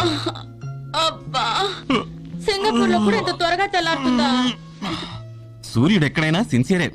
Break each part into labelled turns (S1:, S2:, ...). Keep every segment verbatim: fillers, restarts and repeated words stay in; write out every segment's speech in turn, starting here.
S1: అబ్బా సింగపూర్ లో కూడా ఇంత త్వరగా తెల్లారుతుందా?
S2: సూర్యుడు ఎక్కడైనా సిన్సియరే.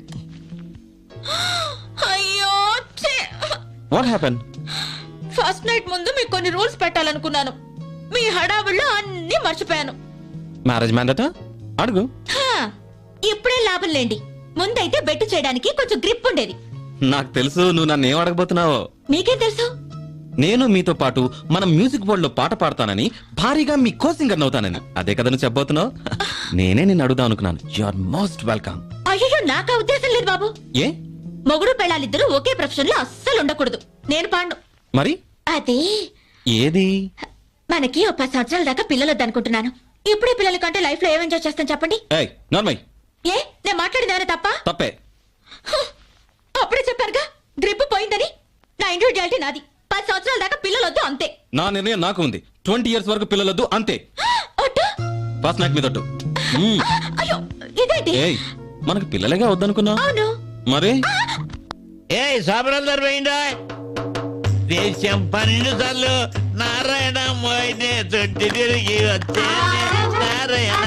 S1: అయ్యో
S2: వాట్ హ్యాపెన్?
S1: ఫస్ట్ నైట్ ముందు మీకు కొన్ని రూల్స్ పెట్టాలనుకున్నాను. మీ హడావిడిలో అన్ని మర్చిపోయాను.
S2: మ్యారేజ్ మ్యాండేటా? అడుగు.
S1: ఇప్పుడే లాభం లేండి. ముందైతే బెట్టు చేయడానికి కొంచెం గ్రిప్ ఉండేది.
S2: నాకు తెలుసు నువ్వు నన్ను ఏం అడగబోతున్నావో.
S1: మీకేం తెలుసు?
S2: నేను మీతో పాటు మనం మ్యూజిక్ బోర్డ్ లో పాట పాడతానని, భారీగా మీ కో సింగర్ అవుతానని. అదే కదా నువ్వు చెప్పబోతున్నావు. నేనే నిన్ను అడుగుదాం అనుకున్నాను. You are most welcome.
S1: అయ్యో నాకు ఉద్దేశం లేదు బాబు.
S2: ఏ?
S1: మొగుడు పెళ్ళాలిద్దరూ ఒకే ప్రొఫెషన్ లో అస్సలు ఉండకూడదు. నేను పాండు.
S2: మరి
S1: అదే
S2: ఏది?
S1: మనకి ఒక పది సంవత్సరాల దాకా పిల్లలు వద్దనుకుంటున్నాను. ఇప్పుడే పిల్లల కంటే లైఫ్ లో ఏం ఎంజాయ్ చేస్తాను చెప్పండి.
S2: ఏయ్ నార్మల్.
S1: ఏ నేను మాట్లాడిందేమైనా తప్ప?
S2: తప్పే.
S1: అప్పుడే చెప్పారుగా గ్రిప్ పోయిందని. నా ఇండివిజువాలిటీ నాది. పది సంవత్సరాల దాకా పిల్లలు వద్దు అంతే.
S2: నా నిర్ణయం నాకు ఉంది. ట్వంటీ ఇయర్స్ వరకు పిల్లలొద్దు అంతే. ఫస్ట్ నైట్ మీద ఒట్టు.
S1: అయ్యో ఇదేంటి?
S2: ఏయ్ మనకు పిల్లలేగా వద్దనుకున్నా.
S1: అవును
S3: మరి. ఏ సాబరందరు పోయిందా? దేశం పన్నెండు సార్లు నారాయణ మోయినే తొట్టి తిరిగి వచ్చే నారాయణ.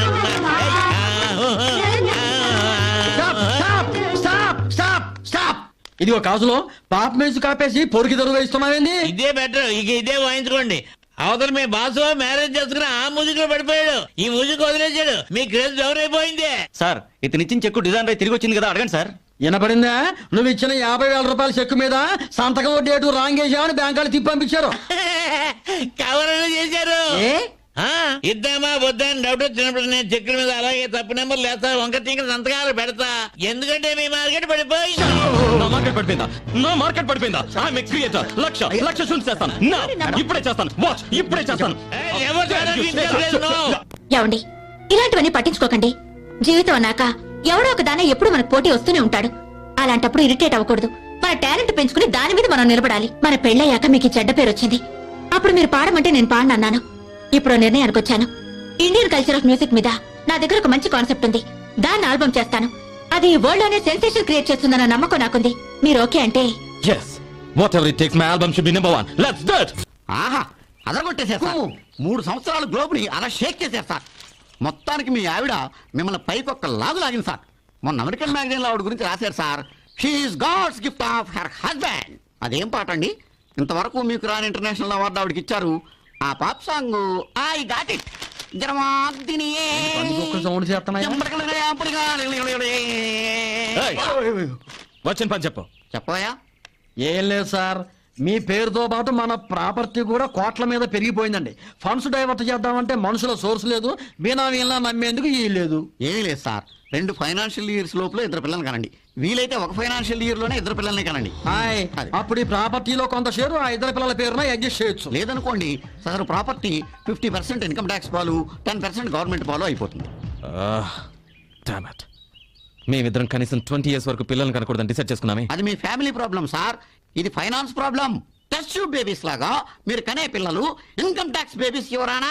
S4: ఇది ఒక కాజులో పాప మ్యూజిక్ ఆపేసి పొరికి దొరుగా ఇస్తున్నావేంది?
S3: ఇదే బెటర్. ఇక ఇదే వాయించుకోండి. అవతల మీ బాసు మ్యారేజ్ చేసుకుని ఆ మ్యూజిక్ లో పడిపోయాడు. ఈ మ్యూజిక్ వదిలేశాడు. మీ క్రేజ్ ఎవరైపోయింది
S2: సార్. ఇతనిచ్చిన చెక్కు డిజైన్ రై తిరిగి వచ్చింది కదా, అడగండి సార్.
S4: వినపడిందా? నువ్వు ఇచ్చిన యాభై వేల రూపాయల చెక్కు మీద సంతకం డేటు రాంగ్ వేసామని బ్యాంక్ వాళ్ళు తిప్పి పంపించారు.
S3: కవర్ చేశారు. ఇద్దామా వద్దా అని డౌట్ వచ్చినప్పుడు నేను చెక్కుల మీద అలాగే తప్పు నెంబర్ లేస్తా, వంక తింక సంతకాలు పెడతా. ఎందుకంటే మీ మార్కెట్ పడిపోయింది.
S2: నా మార్కెట్ పడిపోయిందా? నా మార్కెట్ పడిపోయిందా? I'm a creator. Lakh lakh shoot చేస్తాను. నా ఇప్పుడే చేస్తాను. వాచ్ ఇప్పుడే చేస్తాను.
S1: ఏమండి ఇలాంటివన్నీ పట్టించుకోకండి. జీవితం అన్నాక ఎవడో ఒక దాన ఎప్పుడు మనకు పోటీ వస్తూనే ఉంటాడు. అలాంటప్పుడు ఇరిటేట్ అవ్వకూడదు. మన టాలెంట్ పెంచుకుని దాని మీద మనం నిలబడాలి. మన పెళ్ళయ్యాక మీకు చెడ్డ పేరు వచ్చింది. అప్పుడు మీరు పాడమంటే నేను పాడనన్నాను. ఇప్పుడు నిర్ణయానికి వచ్చాను. ఇండియన్ కల్చర్ ఆఫ్ మ్యూజిక్ మీద నా దగ్గర ఒక మంచి కాన్సెప్ట్ ఉంది. దాన్ని ఆల్బమ్ చేస్తాను. అది వరల్డ్ లోనే సెన్సేషన్ క్రియేట్ చేస్తుందన్న నమ్మకం నాకుంది. మీరు ఓకే అంటే?
S2: yes whatever it takes, my album should be number one. let's do it.
S5: ఆహా అదరగొట్టేసేస్తా. మూడు సంవత్సరాలు గ్లోబ్ ని అలా షేక్ చేసేస్తా. మొత్తానికి మీ ఆవిడ మిమ్మల్ని పైకి ఒక్క లాగు లాగింది సార్. మొన్న అమెరికన్ మ్యాగజైన్ లో ఆవిడ గురించి రాశారు sir. She is God's gift of her husband. అదేం పాట అండి? ఇంతవరకు మీకు రాని ఇంటర్నేషనల్ అవార్డు ఆవిడకి ఇచ్చారు. ఆ pop song I got it.
S4: Sound చేస్తున్నాయా?
S2: వచ్చిన పని చెప్పు.
S5: చెప్పవయా?
S4: ఏం లేదు సార్, మీ పేరుతో పాటు మన ప్రాపర్టీ కూడా కోట్ల మీద పెరిగిపోయిందండి. ఫండ్స్ డైవర్ట్ చేద్దామంటే మనుషుల సోర్స్ లేదు. బీనామీలా నమ్మేందుకు ఈ లేదు.
S5: ఏమీ లేదు సార్. రెండు ఫైనాన్షియల్ ఇయర్స్ లోపల ఇద్దరు పిల్లల్ని కనండి. వీలైతే ఒక ఫైనాన్షియల్ ఇయర్ లోనే ఇద్దరు పిల్లల్ని కనండి.
S4: అప్పుడు ఈ ప్రాపర్టీలో కొంత షేరు ఆ ఇద్దరు పిల్లల పేరున అడ్జస్ట్ చేయొచ్చు.
S5: లేదనుకోండి సదరు property fifty percent income tax పాలు, టెన్ పర్సెంట్ గవర్నమెంట్ పాలు అయిపోతుంది.
S2: మేమిద్దరం కనీసం ట్వంటీ ఇయర్స్ వరకు పిల్లల్ని కనకూడదని డిసైడ్ చేసుకున్నామే.
S5: అది మీ ఫ్యామిలీ ప్రాబ్లం సార్. ఇది finance problem. Test tube babies లాగా మీరు కనే పిల్లలు ఇన్కమ్ ట్యాక్స్ బేబీస్ ఎవరానా?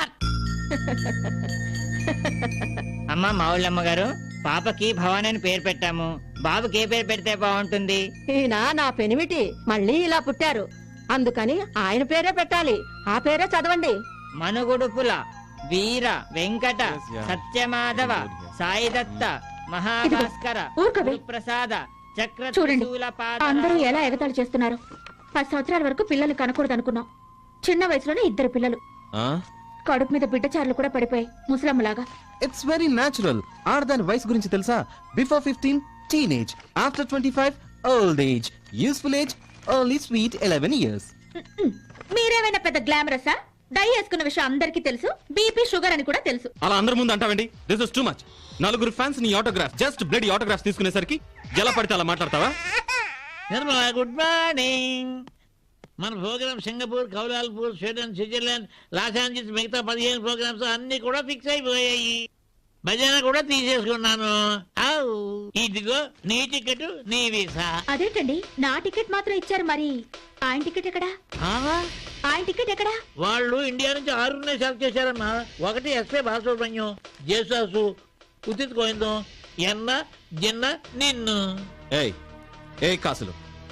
S6: అమ్మ మావుళ్ళమ్మ గారు, పాపకి భవాని అని పేరు పెట్టాము. బాబుకి ఏ పేరు పెడితే బాగుంటుంది?
S7: ఈయన నా పెనిమిటి మళ్ళీ ఇలా పుట్టారు, అందుకని ఆయన పేరే పెట్టాలి. ఆ పేరే చదవండి.
S6: మనుగుడుపుల వీర వెంకట సత్యమాధవ సాయిదత్త మహాభాస్కర ప్రసాద చక్ర.
S1: చూడండి అందరూ ఎలా ఎగతాళి చేస్తున్నారు. పది సంవత్సరాల వరకు పిల్లలు కనకూడదు అనుకున్నాం. చిన్న వయసులోనే ఇద్దరు పిల్లలు. కడుపు మీద బిడ్డచారులు కూడా పడిపోయి ముసలమ్మలాగా.
S2: It's very natural. ఆడదాని వయసు గురించి తెలుసా? Before fifteen teenage, after twenty five old age, useful age only sweet eleven years.
S1: మీరేమైనా పెద్ద గ్లామరసా? డై వేసుకున్న విషయం అందరికీ తెలుసు. బీపీ షుగర్ అని కూడా తెలుసు.
S2: అలా అందరి ముందు అంటావండి? This is too much. నలుగురు ఫ్యాన్స్ నీ ఆటోగ్రాఫ్, జస్ట్ బ్లడ్ ఆటోగ్రాఫ్ తీసుకునేసరికి ఎలా పడితే అలా మాట్లాడతావా?
S3: Good morning. మన program Singapore, Kuala Lumpur, Sweden, Switzerland, Los Angeles, మిగతా పదిహేను ప్రోగ్రామ్స్ అన్ని కూడా ఫిక్స్ అయిపోయాయి. భజన కూడా తీసేసుకున్నాను. ఇదిగో నీ టికెట్, నీ వీసా.
S1: అదేంటండి నా టికెట్ మాత్రం ఇచ్చారు, మరి ఆయన టికెట్ ఎక్కడా? ఆయన టికెట్ ఎక్కడా?
S3: వాళ్ళు ఇండియా నుంచి ఆరుగురినే సెలెక్ట్ చేశారమ్మా. ఒకటి ఎస్పే బాలసుబ్రహ్మణ్యం, జేసాసు, ఉదిత్ గోవిందం, ఎన్న జిన్న నిన్ను.
S2: ఏయ్ ఏ కాసులు,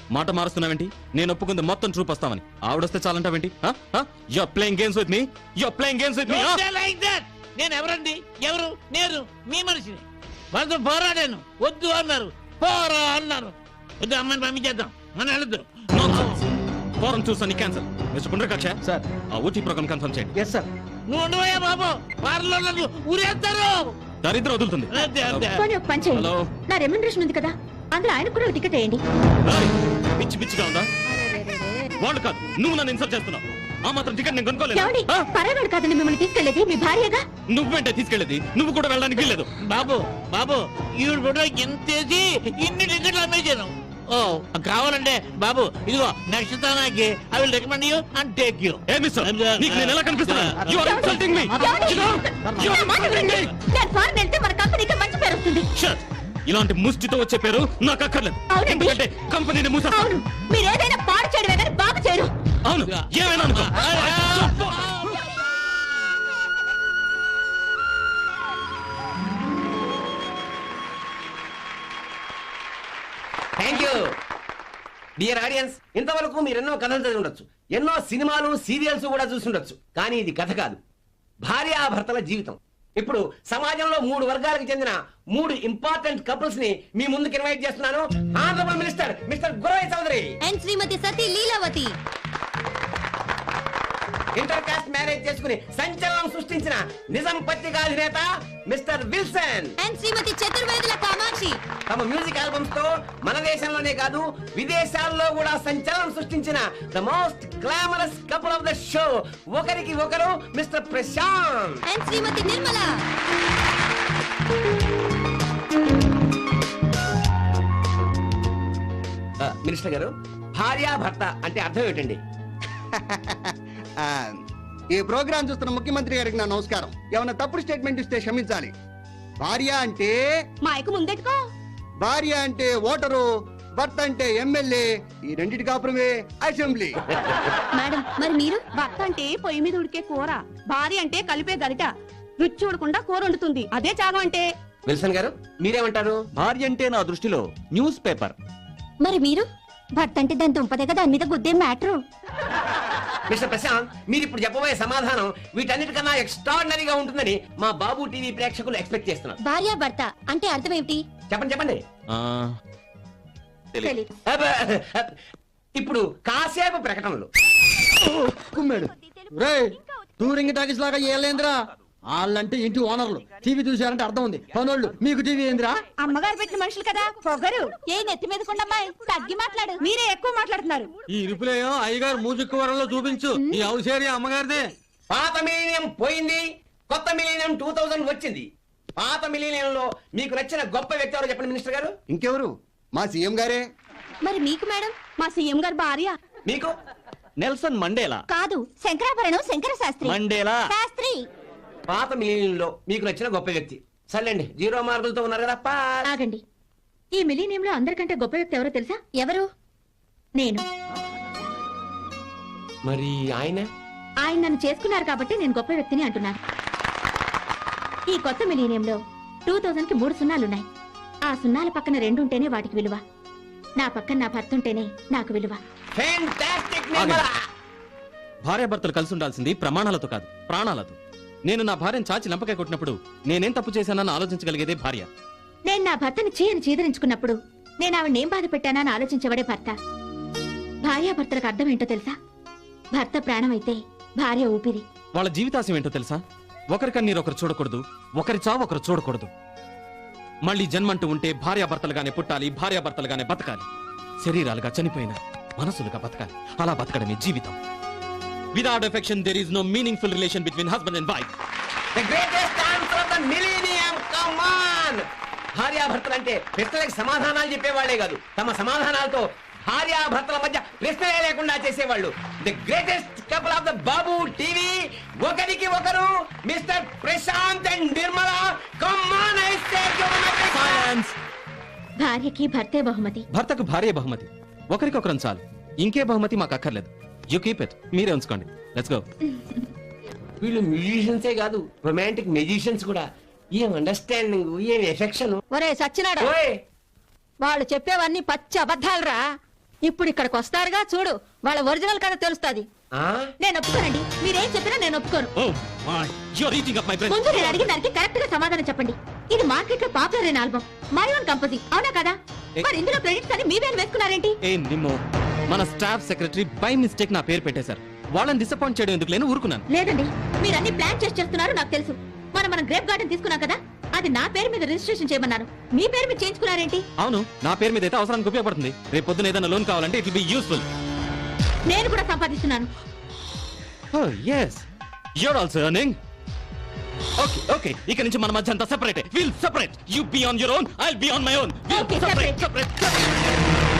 S2: మాట మారుస్తున్నావేంటి? నేను ఒప్పుకుంది మొత్తం ట్రూప్ వస్తామని. ఆవిడొస్తే చాలంటావేంటి? You are playing games with me. You are playing games with me.
S3: Don't say like that. నేను ఎవరండి? ఎవరు? నేను మీ మనిషిని. వాళ్ళతో పోరాడాను. వద్దు అన్నారు, పోరా అన్నారు. వద్దు, అమ్మని పంపించేద్దాం, మనం వెళ్ళొద్దు.
S2: ఫోరం చూసాను క్యాన్సల్. మిస్టర్ పుండ్రకాక్ష
S4: సార్
S2: ఆ ఓటీ ప్రోగ్రామ్ కన్ఫర్మ్ చేయండి.
S4: Yes sir.
S3: నువ్వు ఉండవయ్యా బాబు, వారిలో నన్ను ఊరేస్తారు.
S2: దరిద్రం వదులుతుంది.
S3: అదే, అదే.
S1: పోనీ ఒక పని చేయండి.
S2: హలో.
S1: నా రెమ్యూనరేషన్ ఉంది కదా, అందులో ఆయన కూడా ఒక టికెట్ వేయండి.
S2: ఏయ్, పిచ్చి పిచ్చిగా ఉందా? వాళ్ళు కాదు, నువ్వు నన్ను ఇన్సల్ట్ చేస్తున్నావు. ఆ మాత్రం టికెట్ నేను కొనుక్కోలేదు.
S1: ఏమండి, పర్వాలేదు కాదండి మిమ్మల్ని తీసుకెళ్లేది మీ భార్యగా.
S2: నువ్వేంటే తీసుకెళ్ళేది? నువ్వు కూడా వెళ్ళడానికి లేదు.
S3: బాబు బాబు ఈవిడ ఫోటో ఎంతేసి ఇన్ని టికెట్లు అమ్మేశాను. ఓ కావాలంటే బాబు ఇదిగో నెక్స్ట్ తానాకి I will recommend you and take you.
S2: ఏ మిస్టర్, నీకు నేను ఎలా కనిపిస్తున్నాను? You are insulting me.
S1: ఏమండి?
S2: You know? You are
S1: నా మాట
S2: insulting
S1: వినండి.
S2: me.
S1: నేను ఫారెన్ వెళ్తే మన కంపెనీకి మంచి పేరు వస్తుంది.
S2: Shut. ఇలాంటి ముష్టితో వచ్చే పేరు నాకు అక్కర్లేదు.
S1: అవునండి.
S2: ఎందుకంటే కంపెనీని మూసేస్తాను.
S1: అవును, మీరు ఏదైనా పాడు చేయడమే కానీ బాగు చేయరు.
S2: అవును, ఏమైనా అనుకో.
S8: Thank you dear audience. ఇంతవరకు మీరు ఎన్నో కథలు చదివి ఉండొచ్చు, ఎన్నో సినిమాలు సీరియల్స్ కూడా చూసి ఉండొచ్చు. కానీ ఇది కథ కాదు, భార్యాభర్తల జీవితం. ఇప్పుడు సమాజంలో మూడు వర్గాలకు చెందిన మూడు ఇంపార్టెంట్ కపుల్స్ ని మీ ముందుకు ఇన్వైట్ చేస్తున్నాను. Honourable minister mister Guravai Chowdary
S1: and Shrimati Sati Leelavathi.
S8: Inter caste marriage చేసుకుని సంచలనం సృష్టించిన నిజం పత్రికాధినేత mister Wilson
S1: and Shrimati Chaturvedula Kamakshi.
S8: తమ మ్యూజిక్ ఆల్బమ్స్ తో మన దేశంలోనే కాదు విదేశాల్లో కూడా సంచలనం సృష్టించిన the most glamorous couple of the show. ఒకరికి ఒకరు మిస్టర్ ప్రశాంత్
S1: అండ్ శ్రీమతి నిర్మల.
S8: ఆ, మినిస్టర్ గారు, భార్య భర్త అంటే అర్థం ఏంటండి?
S9: ఆ, ఈ ప్రోగ్రాం చూస్తున్న ముఖ్యమంత్రి గారికి నా నమస్కారం. ఏమన్నా తప్పుడు స్టేట్మెంట్ ఇస్తే క్షమించాలి. భార్య అంటే
S1: మైకు ముందెట్టుకో.
S9: భార్య అంటే ఓటరు, భర్త అంటే ఎమ్మెల్యే, ఈ రెండింటి కాపురమే అసెంబ్లీ.
S1: మేడం, మరి మీరు?
S7: భర్త అంటే పొయ్యి మీద ఉడికే కూర, భార్య అంటే కలిపే గరిట, రుచి చూడకుండా కూర వండుతుంది. అదే త్యాగం అంటే.
S8: విల్సన్ గారు మీరేమంటారు?
S10: భార్య అంటే నా దృష్టిలో న్యూస్ పేపర్.
S1: మరి మీరు? భర్త అంటే దాని దుంపదేగా దాని మీద గుద్దే మ్యాటరు.
S8: మిస్టర్ ప్రశాంత్, మీరు ఇప్పుడు చెప్పబోయే సమాధానం వీటన్నిటికన్నా ఎక్స్ట్రాడినరీగా ఉంటుందని మా బాబు టీవీ ప్రేక్షకులు ఎక్స్పెక్ట్ చేస్తున్నారు.
S1: భార్య భర్త అంటే అర్థం ఏమిటి?
S8: చెప్పండి చెప్పండి.
S2: ఆ,
S1: తెలీదు.
S8: అబ్బ, అబ్బ. ఇప్పుడు కాసేపు ప్రకటనలు.
S4: కుమ్మాడు. రేయ్, టూరింగ్ టాకీస్ లాగా ఏలేంద్రా. వాళ్ళంటే ఇంటి ఓనర్లు, టీవీ చూసారంటే అర్థం ఉంది. పనోళ్ళు మీకు టీవీ ఏందిరా?
S7: అమ్మగారు పెట్టిన మనుషులు కదా, పొగరు.
S1: ఏ నెత్తి మీద కొండమ్మాయి తగ్గి మాట్లాడు.
S7: మీరే ఎక్కువ మాట్లాడుతున్నారు.
S4: ఈ ఇరుపులేయో అయ్యగారు మూజిక్ వరంలో చూపించు. ఈ హౌస్ ఏరియా అమ్మగారిదే.
S8: పాత మిలీనియం పోయింది, కొత్త మిలీనియం టూ థౌజండ్ వచ్చింది. పాత మిలీనియంలో మీకు నచ్చిన గొప్ప వ్యక్తి ఎవరో చెప్పండి మినిస్టర్ గారు.
S9: ఇంకెవరు? మా సీఎం గారే.
S1: మరి మీకు మేడం?
S7: మా సీఎం గారు భార్య.
S8: మీకు?
S10: Nelson Mandela.
S1: కాదు, శంకరాభరణం శంకర శాస్త్రి.
S10: మండేలా.
S1: శాస్త్రి.
S8: పాత మిలీనియంలో మీకు నచ్చిన గొప్ప వ్యక్తి. సర్లేండి, జీరో మార్కులతో ఉన్నారు కదా. పాస్.
S1: ఆగండి, ఈ మిలీనియంలో అందరికంటే గొప్ప వ్యక్తి ఎవరో తెలుసా? ఎవరు? నేను.
S8: మరి ఆయన?
S1: ఆయన నన్ను చేసుకున్నారు కాబట్టి నేను గొప్ప వ్యక్తిని అంటున్నాను. ఈ కొత్త మిలీనియంలో టూ థౌజండ్ కి మూడు సున్నాలున్నాయి. ఆ సున్నాల పక్కన రెండు ఉంటేనే వాటికి విలువ. నా పక్కన నా భర్త ఉంటేనే నాకు విలువ.
S8: Fantastic,
S2: ఆగండి.
S8: నిర్మలా.
S2: భార్యాభర్తలు కలిసి ఉండాల్సింది ప్రమాణాలతో కాదు, ప్రాణాలతో. నేను నా భార్యను చాచి లంపకాయ కొట్టినప్పుడు నేనేం తప్పు చేశానని ఆలోచించగలిగేదే భార్య.
S1: నేను నా భర్తని చీయని చీదరించుకున్నప్పుడు నేను ఆవిడ ఏం బాధ పెట్టానని ఆలోచించబడే భర్త. భార్యాభర్తలకు అర్థం ఏంటో తెలుసా? భర్త ప్రాణమైతే భార్య ఊపిరి.
S2: వాళ్ళ జీవితాశయం ఏంటో తెలుసా? ఒకరి కన్నీరు ఒకరు చూడకూడదు, ఒకరి చావు ఒకరు చూడకూడదు. మళ్ళీ జన్మంటూ ఉంటే భార్యాభర్తలుగానే పుట్టాలి, భార్యాభర్తలుగానే బతకాలి. శరీరాలుగా చనిపోయిన మనసులుగా బతకాలి. అలా బతకడమే జీవితం. Without affection, there is no meaningful relation between husband and wife.
S8: The greatest answer of the millennium. Come on. భార్యాభర్తలు అంటే ప్రశ్నలకు సమాధానాలు చెప్పేవాళ్లే కాదు, తమ సమాధానాలతో భార్యాభర్తల మధ్య ప్రశ్నలే లేకుండా చేసేవాళ్ళు. The greatest couple of the బాబు టీవీ. ఒకరికి ఒకరు mister Prashanth and Nirmala. Come on, I say
S2: Silence.
S1: భార్యకి భర్తే బహుమతి.
S2: భర్తకు భార్య బహుమతి. ఒకరికొకరం చాలు, ఇంకే బహుమతి మాకు అక్కర్లేదు. You keep it. మీరే ఉంచుకోండి. Let's go.
S8: వీళ్ళు మ్యూజిషియన్సే కాదు, రొమాంటిక్ మ్యూజిషియన్స్ కూడా. ఏం అండర్స్టాండింగ్, ఏం ఎఫెక్షన్.
S7: ఒరే సచ్చినాడా, వాళ్ళు చెప్పేవన్నీ పచ్చి అబద్ధాలురా. ఇప్పుడు ఇక్కడికి వస్తారుగా చూడు వాళ్ళ ఒరిజినల్ కథ తెలుస్తుంది.
S8: ఆ?
S1: నేను ఒప్పుకోనండి. మీరేం చెప్పినా నేను ఒప్పుకోను.
S2: Oh my you are eating up my brain.
S1: ముందు నేను అడిగిన దానికి కరెక్ట్ గా సమాధానం చెప్పండి. ఇది మార్కెట్ లో పాపులర్ అయిన ఆల్బమ్, మై ఓన్ కంపోజింగ్, అవునా కదా? మరి ఇందులో క్రెడిట్స్ అని మీవేం వేసుకున్నారేంటి?
S2: ఏ నిమ్మో, మన స్టాఫ్ సెక్రటరీ బై మిస్టేక్ నా పేరు పెట్టేశారు. వాళ్ళని డిసప్పాయింట్ చేయడం ఎందుకు లేని ఊరుకున్నాను.
S1: లేదండి, మీరు అన్ని ప్లాన్ చేసి చేస్తున్నారు నాకు తెలుసు. మనం మనం గ్రేప్ గార్డెన్ తీసుకున్నాం కదా, అది నా పేరు మీద రిజిస్ట్రేషన్ చేయమన్నారు. మీ పేరు మీద చేయించుకున్నారేంటి?
S2: అవును, నా పేరు మీద అయితే అవసరానికి ఉపయోగపడుతుంది. రేపు పొద్దున ఏదైనా లోన్ కావాలంటే ఇట్ విల్ బి యూస్ఫుల్.
S1: నేను కూడా సంపాదిస్తున్నాను.
S2: Oh, yes. You're also earning. Okay, okay. ఇక నుంచి మన మధ్య అంతా separate. We'll separate. You be on your own, I'll be on my own. We'll
S1: Okay,
S2: separate,
S1: separate.
S2: separate, separate.